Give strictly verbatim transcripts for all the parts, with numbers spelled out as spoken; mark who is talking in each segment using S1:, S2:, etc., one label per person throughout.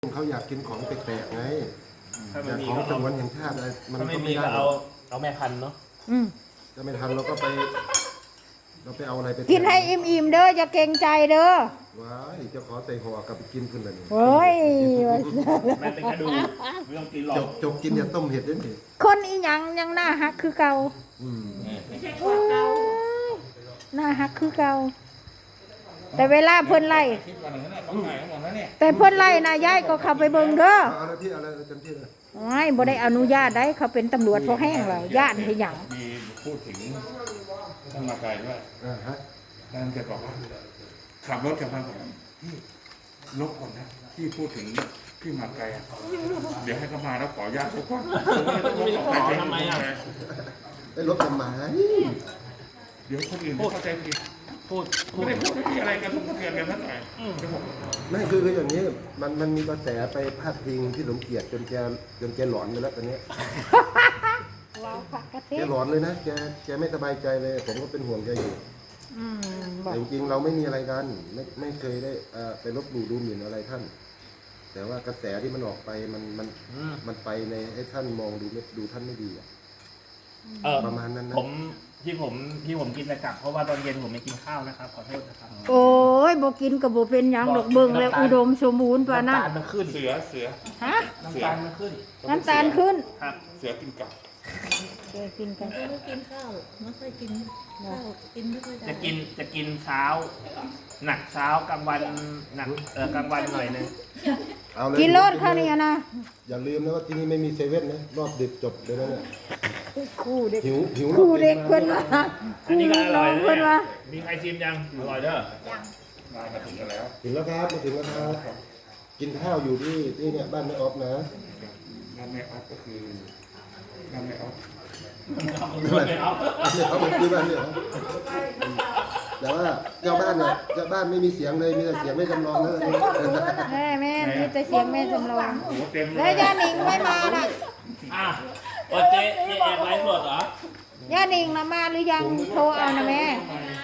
S1: เขาอยากกินของแปลกๆไง
S2: ถ้า
S1: อ
S2: ไม่
S1: ยาก
S2: มี
S1: ของ
S2: ก็
S1: ส
S2: เอา
S1: งวนแห่งชาติอะไรมัน
S2: ถ้าไม่
S1: ก็
S2: มี
S1: ไม่ได้
S2: ก็เอาเอาแม่พันธุ์เนาะ
S3: อืม
S1: ถ้าไม่ทันเราก็ไป เราไปเอาอะไรไป
S3: กินให้อิ่มๆเด้ออย่าเกรงใจเด้อ
S1: ว้ายจะขอใส่ห่อกลับไปกินเพื่อนเลย
S3: โอ้ย
S2: แม่เป็นกระดูกไม่ต้องกินหรอ
S1: จ
S2: ก
S1: บจบกินอย่าต้มเห็ดด้วยนี่
S3: คนอีหยังยังหน้าฮักคือเก่า
S1: อืม
S3: โอ้ยหน้าฮักคือเก่าแต่เวลาเพิ่นไล่
S4: คิดวันหนึ่งเนี่ยต้องถ่ายทั้งหมดแล้วเนี่ย
S3: แต่เพิ่นไล่นะยายก็เข้าไปเบิ่งเด้อ
S1: เอาอะไรที่อะไรเต็มที่เลย
S3: โอ้ยบ่ได้อนุญาตได้เขาเป็นตำรวจพวกแห้งแล้วญาติให้หยัง
S4: มีพูดถึงท่านมาไกลด้วย
S1: อ่าฮะ
S4: ท่านแกบอกว่าขับรถกับท่านบอกพี่ลบก่อนนะที่พูดถึงพี่มาไกลอะเดี๋ยวให้เขามาแล้วขออนุญาตทุกคน
S2: ขอทำไมอ่ะ
S1: ไปลบทำไม
S4: เดี๋ยวคนอื่นเข้าใจผิด
S2: พูดพู
S4: ไม่
S2: ด
S4: ได้พูดไม่มีอะไรกันทุกคนเตือนกันท่านหน่อย
S2: อืม
S4: เดี๋ยวผม
S1: ไม่คือคืออย่างนี้มันมันมีกระแสไปพาดพิงที่สมเกียรติจนแกจนแกหลอนไปแล้วตอนนี้
S3: ว้าวผักกะเท
S1: แก
S3: ศ
S1: หลอนเลยนะแกแกไม่สบายใจเลย ผมก็เป็นห่วงแกอยู่
S3: อืมบอ
S1: แต่
S3: ก
S1: จริงๆเราไม่มีอะไรกันไม่ไม่เคยได้เอ่อไปลบหลู่ดูหมิ่นอะไรท่าน แต่ว่ากระแสที่มันออกไปมันมัน
S2: อืม
S1: มันไปในให้ท่านมองดูไม่ดูท่านไม่ดีอะ
S2: เออ
S1: ประมาณนั้นนะ
S2: ผมที่ผมที่ผมกินแต่กลับเพราะว่าตอนเย็นผมไม่กินข้าวนะครับขอโทษนะครับ
S3: โอ้ยบ่กินก็บ่เป็นหยังดอกเบิ่งแล้วอุดมสมบูรณ์ปานนั้น
S2: น้ำตาลมันขึ้น
S4: เสือเสือ
S3: ฮะ
S2: น้ำตาลมันขึ้น
S3: น้ำตาลขึ้น
S2: ครับ
S4: เสือกินกับ
S3: แกกินกัน
S5: ไม่ได้กินข้าวไม่ค่อยกินข้าวกินไม่ค่อยได้
S2: จะกินจะกินเช้า หนักเช้ากลางวันหนักเออกลางวันหน่อยนึง
S1: เอาเลย
S3: กินโลดข้าวเนี่ยนะ
S1: อย่าลืมนะว่าที่นี่ไม่มีเซเว่นนะรอบดึกจบเลยนะเนี่ย
S3: คู่เด็ก
S1: หิวหิว
S3: คู่เด็กเพิ่นว่า
S2: อัน
S3: คู่
S2: นี้ก็
S3: ลูก
S2: อ
S3: น้
S2: ร่
S3: อ
S2: อย
S3: ง
S2: นะ
S3: เพิ่นว่า
S2: มีใครชิมยังอร่อยเด้อ
S4: มามาถึงกันแล้ว
S1: ถึงแล้วครับมาถึงแล้วครับกินข้าวอยู่ที่ที่เนี่ยบ้านแม่ออฟนะ
S4: นั่นแม่ออฟก็คือนั่นแม่ออฟ
S2: ไม่เอา
S1: เนี่ยเขาเป็นที่บ้านเนี่ยแต่ว่าเจ้าบ้านเนี่ยเจ้าบ้านไม่มีเสียงเลยมีแต่เสียงไม่จำลองนะ
S3: แม่แม่มีแต่เสียงแม่จำลอง
S4: โอ้โหเต็มเล
S3: แล้ว
S4: ย
S3: ย่าหนิงไม่มาน่ะ
S2: อ่ะโอเจ๊เจ๊แอบไลฟ์สดเหรอย่
S3: าหนิงน่ะมาหรือยังโทรเอานะแม่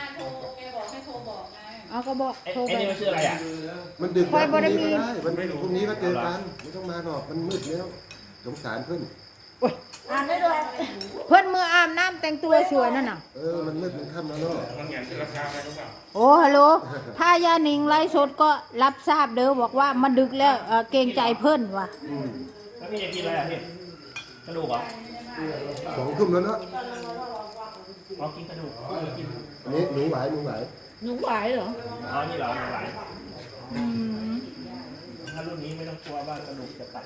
S3: เอาก็บอก
S2: ไอ้
S3: โทร
S2: ไอ้
S3: ไป
S2: นี่มันชื่ออะไรอ่ะ
S1: มันดึก
S3: คอย
S1: แล้ว
S3: บ่ได้
S1: พรุ่ง
S3: มี
S1: นี้ก็ได้วันพรุ่งนี้ก็เจอกันไม่ต้องมาหรอกมันมืดแล้วสงสารเพื่อน
S5: อ่านได้ด้วย
S3: เพิ่นมืออาบน้ำแต่งตัวสวยนั่นน่ะ
S1: เออมันมืดมันค่ำแล้วเนาะ
S4: มันเหมือนเป็นราคาอะไรรู้เปล่า
S3: โอ้ฮัลโหลถ้าย่าหนิงไลฟ์สดก็รับทราบเด้อบอกว่ามันดึกแล้วเอ่อเกรงใจเพิ่นว่ะ
S1: อืม
S2: แล้วพี่จะกินอะไรอ่ะพี่กระดูกเหรอ
S1: สองทุ่มแล้วเนาะ
S2: อ๋อกินกระดูกอ๋อกิน
S1: อันนี้หนูไหวหนูไหว
S5: หนูไหวเหรอ
S2: อ๋อนี่เหรอหลาย
S3: อืม
S2: ถ้ารุ่นนี้ไม่ต้องกลัวว่ากระดูกจะตัด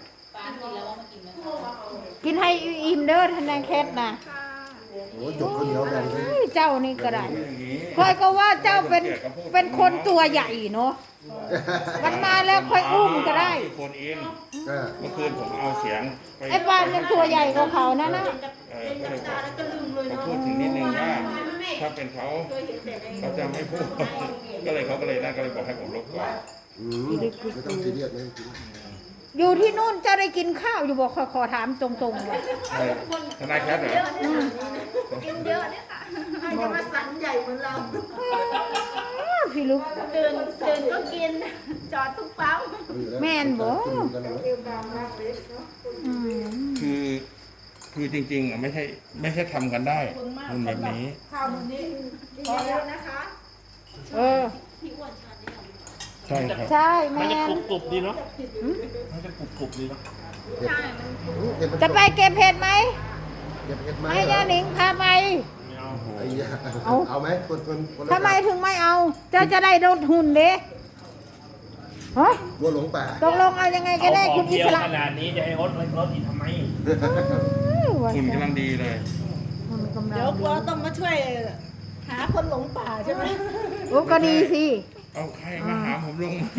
S3: กินให้อิ่มเด้อท่านนายแคทน่ะ
S1: โอ้จบคนเดียวแบ่งเลย
S3: เฮ้ยเจ้านี่ก็ได้
S4: อย่างนี้
S3: ค่อยก็ว่าเจ้าเป็นเป็นคนตัวใหญ่เนาะมันมาแล้วค่อยอุ้มก็ได้
S4: คนเอง
S1: อ่า
S4: เมื่อคืนผมเอาเสียงไป
S3: ไอ้บ้านมันตัวใหญ่กว่าเขานะนะ
S4: เออก็เลยบอกเขาพูดถึงนิดนึงว่า ถ้าเป็นเขาเขาจะไม่พูด ก็เลยเขาก็เลยนั่นก็เลยบอกให้ผมลบก่อน
S1: อืมไม่ต้องซีเรียสไม่ต้องซีเรียส
S3: อยู่ที่นู่นเจ้าได้กินข้าวอยู่บอกขอขอถามตรงๆเลย
S4: ใช่ทนายแคทเหรอ
S5: กินเยอะเนี่ยค่ะใครจะมาสันใหญ่เหมือนเรา
S3: พี่ลูก
S5: เดินเดินก็กิน จอดทุกปั๊ม
S3: แม่นบ่
S1: กันนะ
S3: อืม
S4: คือคือจริงๆอ่ะไม่ใช่ไม่ใช่ทำกันได้มันแบบนี้
S5: ข้าวมื้อนี้พอแล้วนะคะ
S3: เออ
S4: ใช่ครับ
S3: ใช่
S2: มัน
S3: แม่
S2: จะ
S3: น
S2: กรุบกรุบดีเนาะมันจะกรุบกรุบดีเนาะ
S1: เผ็ดมัน
S3: จะไปเก็บเห็ดไหม
S1: เก็บเผ็ดไหม
S3: ให้ย่าหนิงพาไป
S2: ไม่เอา
S1: ไอ้ยา
S3: เอา
S1: เอาไหมคนคนคนละ
S3: ทำไมถึงไม่เอา เจ้าจะได้ลดหุ่นเด้ฮะ
S1: วัวหลงป่า
S3: ตกลงเอายังไงก็ได้
S2: เอาข
S3: คุ
S2: อง
S3: ณอิ
S2: เดียว
S3: สระ
S2: ขนาดนี้จะให้รถรถอีกทำไม
S4: คุณกำลังดีเลย
S3: หุ่นกำลัง
S5: เดี๋ยวกลัวต้องมาช่วยหาคนหลงป่าใช่ไหม
S3: โอ้ก็ดีสิ
S4: เอาใครมาหาผมลงไหม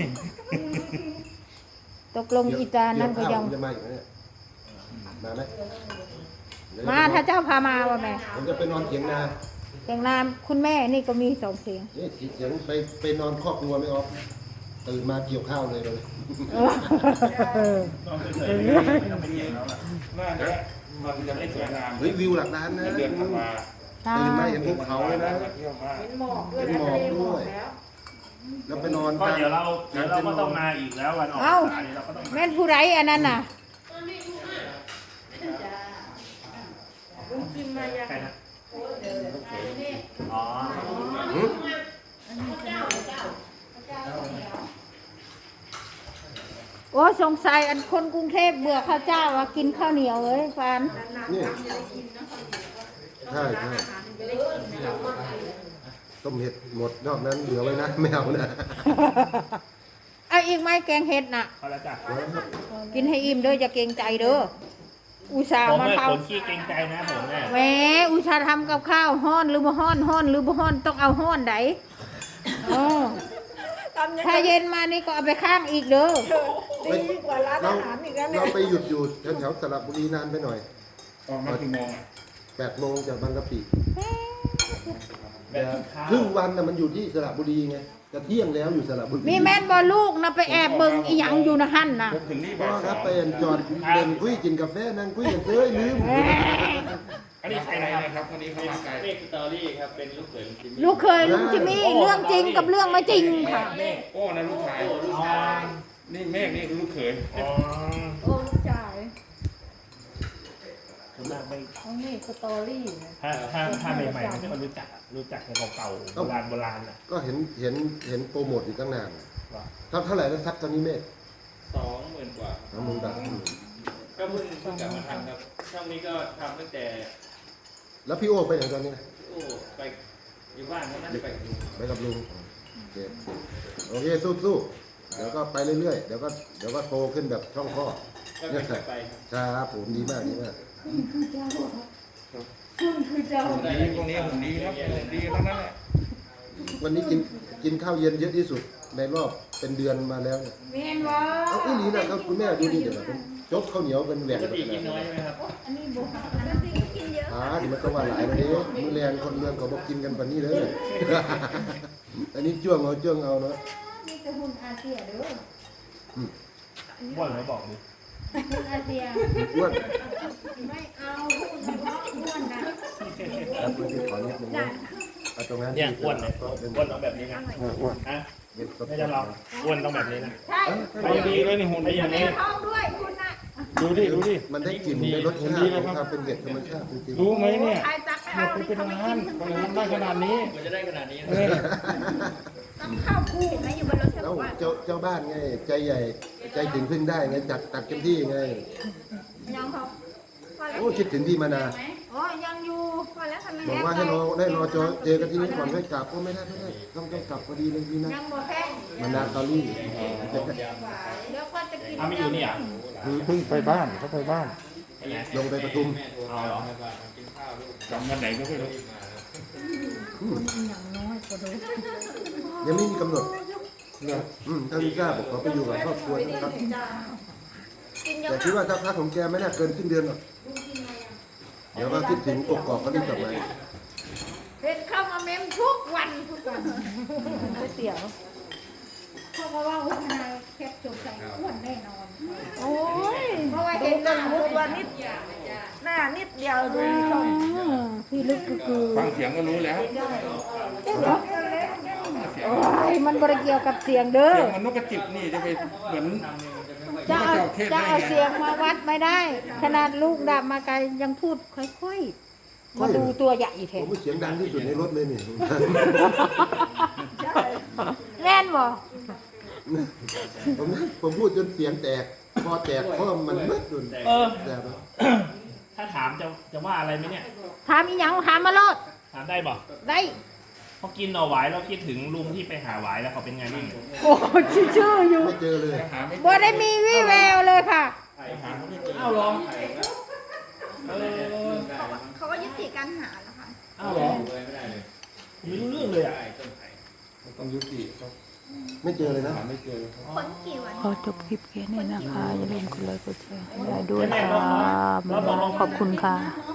S3: ตกลงอีตานั่นก็ยัง
S1: เดี๋วข้าวผมจะมาอีกไหมเนี่ยมาไหมเดี๋ยว
S3: มาถ้าเจ้าพามาว่าแม่
S1: ผมจะไปนอนเถียงนา
S3: แต่งนามคุณแม่นี่ก็มีสองเสียง
S1: นี่เถียงไปไปนอนครอบครัวไม่ออฟตื่นมาเกี่ยวข้าวเลยเลย
S3: เออ
S2: ต้องเฉยๆไม่ต้องไปเกี่ยวแล้วล่ะ
S4: น่าจะมันจะไม่สวยงาม
S1: เฮ้ยวิวหลักล้านนะ
S4: เดือนธันวา
S3: ใช่
S1: ตื่นมาเห็นภูเขาเลยนะ
S4: เที่ยวมาก
S5: เป็นหมอกด้วย
S1: เป็นหมอกด้วย
S5: แล้ว
S1: แล้วไปนอน
S2: ก็
S1: กลาง
S2: เดี๋ยวเราเดี๋ยวเราก็ต้องมาอีกแล้ววันออกพร
S3: เอ้า
S2: รษานี่เราก็ต้องมา
S3: แม่นผู้ไรอันนั้นน่ะ
S2: ใครนะอ๋อ
S1: หืม
S3: โอ้สงสัยอันคนกรุงเทพเบื่อข้าวเจ้าว่ากินข้าวเหนียวเลยฟาน
S1: นี่ใช่ใช่ต้มเห็ดหมดนอกนั้นเหลือไว้นะไม่เอานะ
S3: เอาอีกไหมแกงเห็ดน่ะ
S2: พอแล้วจ้ะ
S3: กินให้อิ่มเด้ออย่าเกรงใจเด้ออุตส่าห์
S2: ผม
S3: มา
S2: เนี่ย
S3: ท
S2: คนขี้เกรงใจนะผมเนี่ย
S3: ำแหมอุตส่าห์ทำกับข้าวฮ้อนหรือบ่ฮ้อนฮ้อนหรือบ่ฮ้อนต้องเอาฮ้อนไดอ๋อถ้าเย็นมานี่ก็เอาไปข้างอีกเด้อ
S1: ดีกว่าร้านอาหารอีกแล้วเนี่ยเราไปหยุดอยู่แถวๆสระบุรีนานไปหน่อย
S4: ออกมากี่โมงอ่ะ
S1: แปดโมงจากบางกะปิ
S2: แบบข้าว
S1: ครึ่งวันน่ะมันอยู่ที่สระบุรีไงจะเที่ยงแล้วอยู่สระบุรี
S3: มีแม่นบ่ลูกนะไปแอบเบิ่งอีหยังอยู่นะหั่นน่ะ
S4: ผมถึงนี่
S1: พ่
S4: บ่า
S1: อย ค
S4: ส
S1: รั
S4: อบ ง
S1: ไปจอดเดินคุยกินกาแฟนั่งคุยกันเอ้ยลืม
S3: แหม
S2: อันนี้ใคร
S4: อะไร
S2: นะครับ
S4: นะครับวันนี้เขามาไกล
S6: เลขสตอรี่ครับ เป็นลูกเขยลุงจิมมี่
S3: ลูกเคยลุงจิมมี่เรื่องจริงกับเรื่องไม่จริงค่ะ
S4: โอ้นะลูกชาย
S2: อ๋อ
S4: นี่เมฆนี่คือลูกเขย
S2: อ๋อ
S5: โอ้ลูกจ่าย
S2: ส่วนมากไม่
S5: เขานี่สตอรี่นะ
S2: ถ้าถ้าถ้าใหม่ๆไม่ค่อยรู้จักอะรู้จักแต่เก่าๆโบราณโบราณอ่ะ
S1: ก็เห็นเห็นเห็นโปรโมทอยู่ตั้งนาน
S2: ว่า
S1: เท่าเท่าไหร่แล้วซับตอนนี้เมฆ
S6: สองหมื่นกว่า
S1: สามหมื่นบาท
S6: ก็เพิ่งเพิ่งกลับมาทำครับ ช่องนี้ก็ทำตั้งแต่
S1: แล้วพี่โอ้ไปไหนตอนนี้
S6: โอ้ไปอยู่บ้านเขานั่นไปกับลุง
S1: ไปกับลุงโอเคโอเคสู้สู้เดี๋ยวก็ไปเรื่อยๆเดี๋ยวก็เดี๋ยวก็โตขึ้นแบบช่องข้อ
S6: ก็ไม่เคยไปครับ
S1: ครับผมดีมากดีมาก
S4: หุ่นดีตรงนี้หุ่นดีครับหุ่นดีทั้งนั้นแหละ
S1: วันนี้กินกินข้าวเย็นเยอะที่สุดในรอบเป็นเดือนมาแล้วเนี่ย
S3: แม่นบ่
S1: เอาอีหลีนะครับคุณแม่ดูดิเดี๋ยวนะผมจกข้าวเหนียวเป็นแหว
S6: ป
S1: ก
S6: กติกินน้อยใช่ไหมครับ
S5: อันนี้บุกอันนั้นกินเยอะ
S1: อ่าเดี๋ยวมันก็ว่าหลายแล้วเด้มือแรงคนเมืองเขาบอกกินกันปานนี้เลย อันนี้จ้วงเอาจ้วงเอาเนาะ
S5: นี่จะหุ่นอาเซียเด้อ
S2: บ่นแล้วบอกดิ
S5: หุ่นอาเซีย
S1: อ้วน
S5: ไม่เอาหุ่นเฉพาะอ้วนนะ
S1: ครับเพื่อนที่ขอนิดนึงนะเอาตรงนั้น
S2: เนี่ยอ้วนเลย
S1: ก็เป็น
S2: อ้วนต้องแบบนี้นะ
S1: อ้วน
S2: อ่ะ
S1: เย็นสด
S2: ไม่จะลองอ้วนต้องแบบนี้นะ
S5: ใช่
S4: หุ่นดีเลยนี่หุ่น
S2: ไอ้
S4: ดี
S2: อย่างนี้
S5: ท้องด้วยคุณน่ะ
S4: ดูดิดูดิ
S1: มันได้กลิ่นได้รสชาติของความเป็นเห็ดธรรมชาติจริง
S4: รู้ไหมเนี่ย
S5: ใครตัก
S4: หม
S5: ข้าว
S4: ดไป
S5: นี่
S4: เป็น
S5: เขาไม่
S4: ล้า
S5: กิ
S4: น
S5: น
S4: คนทำได้ขนาดนี้
S6: มันจะได้ขนาดนี้
S4: เออ
S5: ต้องข้าวคู่ไหมอยู่บนรถเธอ
S1: ๆ
S5: บ
S1: แล้
S5: อ
S1: ว
S5: กว่า
S1: เจ้าเจ้าบ้านไงใจใหญ่ใจถึงพึ่งได้ไงจัดตักเต็มที่ไง
S5: ยังเขาพอแล้ว
S1: โอ้คิดถึงพี่มานา
S5: โอ้ยังอยู่พอแล้วทำไม
S1: บอกว่าให้รอได้รอเจอเจอกันที่นี่ก่อนค่อยกลับก็ไม่ได้ไม่ได้ต้องต้องกลับพอดีเลยพี่นะ
S5: ยังบ่แพ้
S1: มานาตอรี่
S5: เดี๋ยวก็จะกิน
S2: เอาไม่อยู่นี่อ่ะ
S4: เพิ่งไปบ้านเขาไปบ้าน
S2: ไปไหน
S1: ลงไปปทุม
S6: แม่โทรมาบอกให้ว่ากินข้าวลูก
S4: จำวันไหนก็ไม่รู้
S1: ยังไม่มีกำหนด
S4: เนอะ
S1: อืมถ้าลิซ่าบอกขอไปอยู่กับครอบครัวนะครับ
S5: กินเย
S1: แต่
S5: อะ
S1: คิดว่าถ้าพักของแกไม่น่าเกินสิ้นเดือนหรอกเดี๋ยวก็คิดถึงกกอกก็รีบกลับมา
S5: เห็นเข้ามาเมมทุกวันทุกวัน
S3: ก๋วยเตี๋ยว
S5: เขาก็ว่าหัวหน้าแคบจบใส่อ้วนแน่นอน
S3: โอ้ย
S5: เพราะว่าเห็นหน้ามุดวันนิดหน้านิดเดียวดูชม
S3: พี่ลึกคือคือ
S4: ฟังเสียงก็รู้แล้ว
S3: โอ้ยมันบริเกี่ยวกับเสียงเด้อ
S4: เสียงมันนกกระจิบนี่จะไปเหมือน
S3: จะเอาจะเอาเสียงมาวัดไม่ได้ ขนาดลูกดับมาไกลยังพูดค่อยๆ มาดูตัวใหญ่แท
S1: ผ
S3: น
S1: มเสียงดังที่สุดในรถเลยนี่
S3: แน่นบ่
S1: ผมผมพูดจนเสียงแตกพอแตกเพราะมันมืดดุน
S2: เออ
S1: แต่ว่า
S2: ถ้าถามจะจะว่าอะไรไหมเนี่ย
S3: ถามอีหยังถามมาโลด
S2: ถามได้บอก
S3: ได้
S2: พอกินหน่อหวายเราคิดถึงลุงที่ไปหาหวายแล้วเขาเป็นไงบ้าง
S3: โอ้ชื่อๆอยู่
S1: ไม่เจอเลย
S4: หาไม่เจ
S3: บ่
S4: อ
S3: ได้มีวี่แววเลยค่ะ
S4: หาเขาไม่เจอ
S2: อ้าวเหรอเออ
S5: เขาก็ยุติการหาแล้วค่ะ
S2: อ้าวเหรอ
S6: เลยไม่ได้เลย
S2: ไม่รู้เรื่องเลยอ่ะ
S6: ใช่ต้นไผ่
S4: ต้องยุติเขา
S1: ไม่เจอเลยนะ
S4: หาไม่เจอ
S5: คนกี่วัน
S3: ขอจบคลิปแค่นี้นะคะ อย่าลืมกดไลค์กดแชร์ให้ได้ด้วยค่ะขอบคุณค่ะ